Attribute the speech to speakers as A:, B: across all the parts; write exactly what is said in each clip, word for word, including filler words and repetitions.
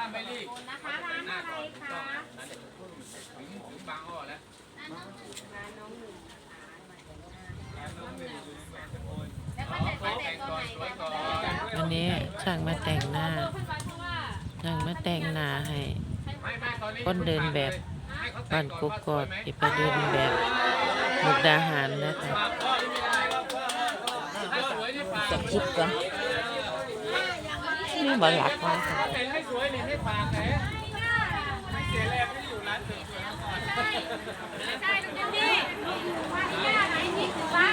A: าไม่รีบ
B: นะคะร้านอะไรคะ
A: ถึงถึงบางอ้อแล้ว
B: ร้านน้องหนึ่งนะคะ
A: น้องหนึ่งอยู่ในเมืองสกล
B: แล้วก็จะแต่งตัวไหนกัน
C: วันนี้ช่างมาแต่งหน้าช่างมาแต่งหน้าให้คนเดินแบบบ้านกกอกที่ไปเดินแบบมุกดาหารนะคะจะคิดก่อนนี่บ่หลักว่าค่ะ
A: แต่งให้สวยนี่ให้ฝากแหมไม่เสียแรงไม่อยู่ร้านเสริมสวยก่อน
B: ใช่ลุงพี่ว่าที่ย่าไหนนี่คือว่า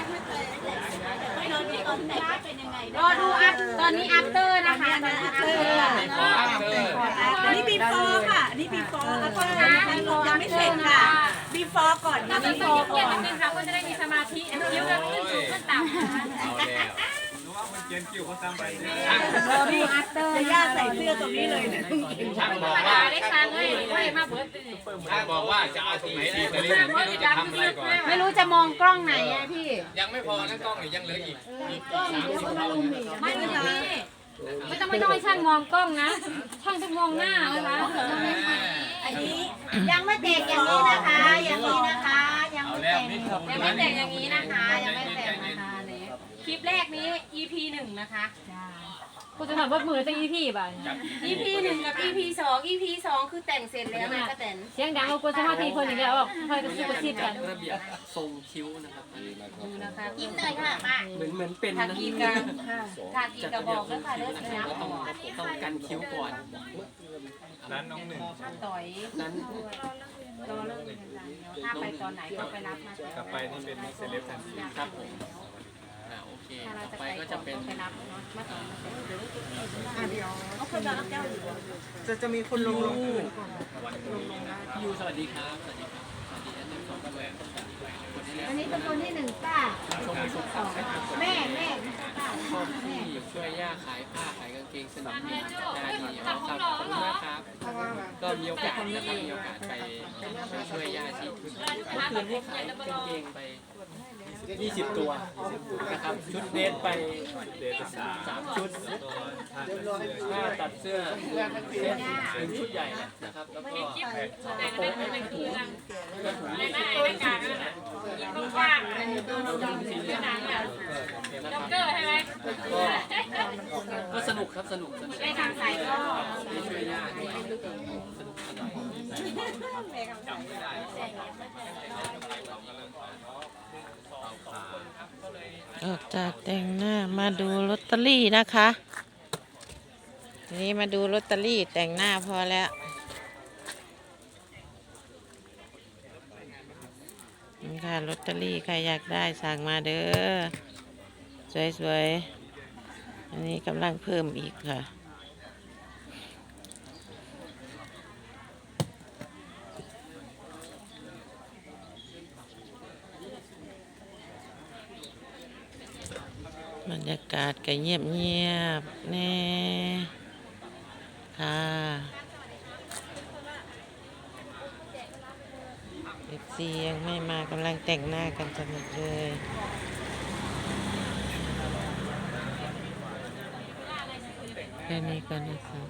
B: รอดูอัพตอนนี้อัพเตอร์นะคะตอนนี้อัพเตอร์
D: อันนี้บีฟอร์ค่ะอันนี้บีฟอร์แล้วก็ยังไม่เสร็จค่ะบีฟอร์ก่อน
B: เรา
D: นะ
B: จะ
D: บีฟ
B: ส่
D: อง ร์
B: เกี
D: ก่
B: ย
D: อ
B: รติ
D: น
B: นิดนึงค่ะก็จะได้มีสมาธิคิ้วจะขึ้นสูงขึ้นต่ำ
A: เอาแล้วรู้ว่ามันเกียนคิวเขาทำไปเนี่ย
B: รอดูอัพเตอร์
D: จะย่าใส่เสื้อตรงนี้เลยเนี่ย
A: ช่าง
B: ธร
A: บอ
B: ร
A: ก
B: ม
A: ว่า
B: ดาได้ครั้งเลยไม่มาเบิร์ด
A: ช่างบอกว่าจะเอาตรงไหนดีแต่นี่ไม่รู้จะทำอะไรก่อน
B: ไม่รู้จะมองกล้องไหนอะพี่
A: ยังไม่พอนะกล้องนี่ยังเหลืออีกอีกสามสิบเท่านะ
B: ไม่รู้พี่ไม่ต้องไม่ต้องให้ช่างมองกล้องนะ ช่างต้องมองหน้าเลยนะ
D: อันนี้ยังไม่แตกอย่างนี้นะคะ อย่างนี้นะคะ ยัง
A: เอา
D: ไม่
A: แล้ว
D: แตก
A: นี่
B: ยังไม่แต่งอย่างนี้นะคะ ยังไม่แต่งนะคะเนี่ยคลิปแรกนี้ อี พี หนึ่งนะคะกูจะถามว่ามือจะ อี พี ป่ะ
D: อีพีหนึ่งกับ อีพีสอง อีพีสองคือแต่งเสร็จแล้วนะก็แต่ง
B: เสียงดังเอากูจะมาทีคนอย่างเดียวออกคอยกระซิบกระซิบกัน
E: ระเบียบทรงคิ้วนะครับ
B: ดูนะคะ
D: ยิ้มหน่อยค่ะป้า
E: เหมือนเหมือนเป็น
B: ทา
E: นะ
B: กีกันทากีกระบอกด้วยค่ะเลือด
E: นะ
B: นะ
E: ก็ต้องต้องกันคิ้วก่อน
A: ร้านน้องหนึ่ง
B: ต่อย
E: นั้น
B: รอเลิกถ้าไปตอนไหนก็ไปรับนะ
A: กลับไปนี่เป็นเซเลบทันที
E: ครับผมอ่าโอเค
B: ถ้าเรา
E: ต่อ
B: จะ
E: ไป
B: ไป
E: ก็จะเป็น
B: ไปรับเนาะมาต่อมาเสร็จ
D: เขาเคยมารับเจ้าอยู่
F: จะจะมีคนลงลง
E: พี่ยูสวัสดีครับสวัสดีครับสวัสดีอาจารย์สองกันเลย
B: อันนี้เป็นคนที่หนึ่งป้า
E: ชมสุขสองนะครับ
B: แม่แม่ไม่ใช่ป้า
E: ชอบที่ช่วยย่าขายผ้าขายกางเกงสนุกดีได้ดีครับขอบคุณมากครับ ก็มีโอกาสนะครับมีโอกาสไปช่วยย่าที่เมื่อคืนที่ขายกางเกงไปยี่สิบตัวนะครับชุดเดทไป
A: เดทสาม
E: สามชุดผ้าตัดเสื้อเซตหนึ่งชุดใหญ่นะครับแล้วก็โป๊ะให้เป็นถุงแล้วถุงนี้ชุดเป็นสีเหลือง
B: กว้าง
E: สีเหลืองนะครับ
B: ด็อกเกอร์ใช่ไหม
E: ก็ก็สนุกครับสนุกสนุก
B: ในการใส่ก็
E: ได้ช่วยย่าด้วยสนุกสนาน
C: ออกจากแต่งหน้ามาดูลอตเตอรี่นะคะทีนี้มาดูลอตเตอรี่แต่งหน้าพอแล้วนี่ค่ะลอตเตอรี่ใครอยากได้สั่งมาเด้อสวยๆอันนี้กำลังเพิ่มอีกค่ะบรรยากาศก็เงียบเงียบแน่ค่ะเด็กซียังไม่มากำลังแต่งหน้ากันสนุกเลยแค่นี้ก็นะคะ